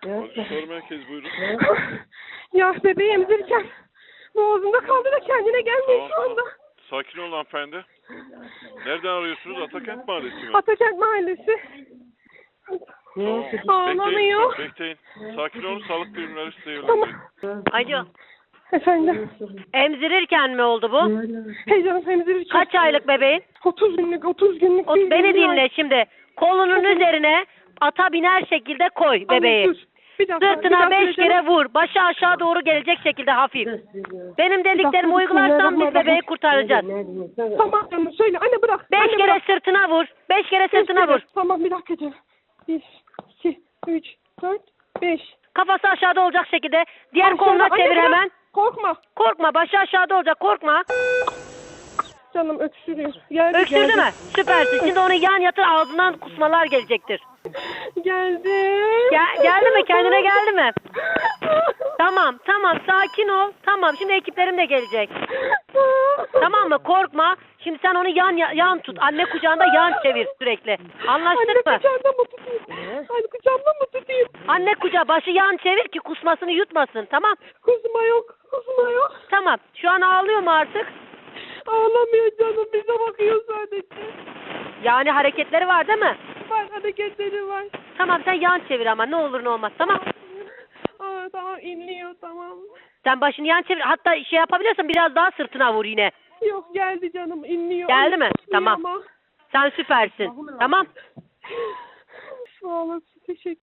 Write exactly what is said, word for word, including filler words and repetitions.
Acı soru merkezi buyurun. Ya bebeği emzirirken boğazımda kaldı da kendine gelmiyor Tamam, şu anda. tamam. Sakin olun hanımefendi. Nereden arıyorsunuz? Atakent Mahallesi mi? Atakent Mahallesi. Tamam. Ağlamıyor. Bekleyin, bekleyin. Sakin olun. Sağlık birimleri size Tamam. yönlendirin. Alo. Efendim. Emzirirken mi oldu bu? Heyecanım emzirirken. Kaç aylık bebeğin? otuz günlük, otuz günlük. O, bir beni günlük ay. dinle şimdi. Kolunun üzerine ata biner şekilde koy bebeği. Anne, dur. Bir dakika, bir Sırtına dakika beş söyleyeceğim. kere vur. Başı aşağı doğru gelecek şekilde hafif. Benim dediklerimi dakika, uygularsan biz bebeği kurtaracağız. Tamam canım söyle. Anne bırak. Beş Anne, kere bırak. sırtına vur. Beş kere Beş sırtına kere. vur. Tamam bir dakika canım. Bir, iki, üç, dört, beş. Kafası aşağıda olacak şekilde. Diğer Aşağıda. koluna Anne, çevir bırak. hemen. Korkma. Korkma. Başı aşağıda olacak. Korkma. Canım öksürüyor. Geldi, Öksürdü geldi. mü? Süpersin. Şimdi onu yan yatır, ağzından kusmalar gelecektir. Geldi. Gel, geldi mi? Kendine geldi mi? Tamam, tamam. Sakin ol. Tamam. Şimdi ekiplerim de gelecek. Tamam mı? Korkma. Şimdi sen onu yan yan tut. Anne kucağında yan çevir sürekli. Anlaştık Anne mı? kucağımda mı tutayım? Anne kucağımda mı tutayım? Anne kucağı başı yan çevir ki kusmasını yutmasın. Tamam. Kusma yok. Kusma yok. Tamam. Şu an ağlıyor mu artık? Ağlamıyor canım. Bize bakıyor sadece. Yani hareketleri var değil mi? Var hareketleri var. Tamam sen yan çevir ama ne olur ne olmaz. Tamam. Aa, tamam inliyor tamam. Sen başını yan çevir. Hatta şey yapabiliyorsan biraz daha sırtına vur yine. Yok geldi canım inliyor. Geldi mi? İnliyor Tamam. ama. Sen süpersin. Tamam. Sağ olasın. Teşekkür